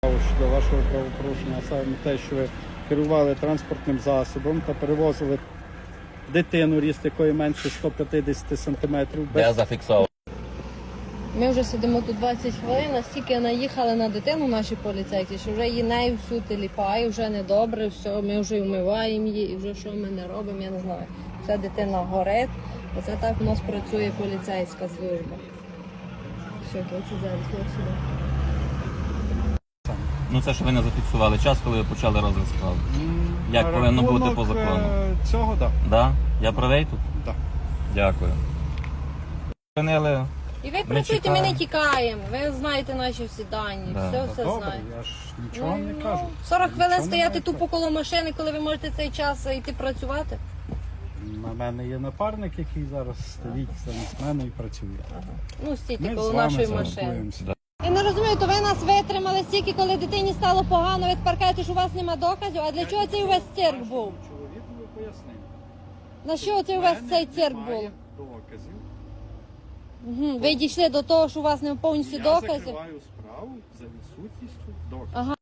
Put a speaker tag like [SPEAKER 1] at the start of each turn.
[SPEAKER 1] Щодо вашого правопорушення, а саме те, що ви керували транспортним засобом та перевозили дитину, ріст якої менше 150 см.
[SPEAKER 2] Я зафіксував.
[SPEAKER 3] Ми вже сидимо тут 20 хвилин, настільки наїхали на дитину наші поліцейські, що вже її нею всю теліпає, вже недобре, все, ми вже вмиваємо її і вже що ми не робимо, я не знаю. Вся дитина горить, оце так у нас працює поліцейська служба. Все, це зараз, сюди.
[SPEAKER 2] Ну це ж ви не зафіксували час, коли ви почали розгляд справи. Як повинно бути по закону?
[SPEAKER 1] Цього, так.
[SPEAKER 2] Да? Я правий тут?
[SPEAKER 1] Да.
[SPEAKER 2] Дякую. Зупинили.
[SPEAKER 3] І ви працюєте, ми не тікаємо, ви знаєте наші всі дані,
[SPEAKER 2] Да.
[SPEAKER 3] все
[SPEAKER 1] Добре,
[SPEAKER 3] знаєте.
[SPEAKER 1] я ж нічого не кажу.
[SPEAKER 3] 40 хвилин
[SPEAKER 1] Нічого
[SPEAKER 3] стояти
[SPEAKER 1] не
[SPEAKER 3] тупо коло машини, коли ви можете цей час йти працювати.
[SPEAKER 1] На мене є напарник, який зараз стоїть замість мене і працює.
[SPEAKER 3] Ну, стійте
[SPEAKER 1] Ми
[SPEAKER 3] коло
[SPEAKER 1] з вами
[SPEAKER 3] нашої машини.
[SPEAKER 1] спілкуємося.
[SPEAKER 3] Я не розумію, то ви нас витримали стільки, коли дитині стало погано, ви тепер кажете, що у вас нема доказів, а для чого цей увесь цирк був?
[SPEAKER 1] Чоловікові пояснив.
[SPEAKER 3] На що цей увесь цей цирк був?
[SPEAKER 1] Немає доказів.
[SPEAKER 3] Ви дійшли до того, що у вас не повністю
[SPEAKER 1] Я
[SPEAKER 3] доказів?
[SPEAKER 1] закриваю справу за відсутністю доказів.
[SPEAKER 3] Ага.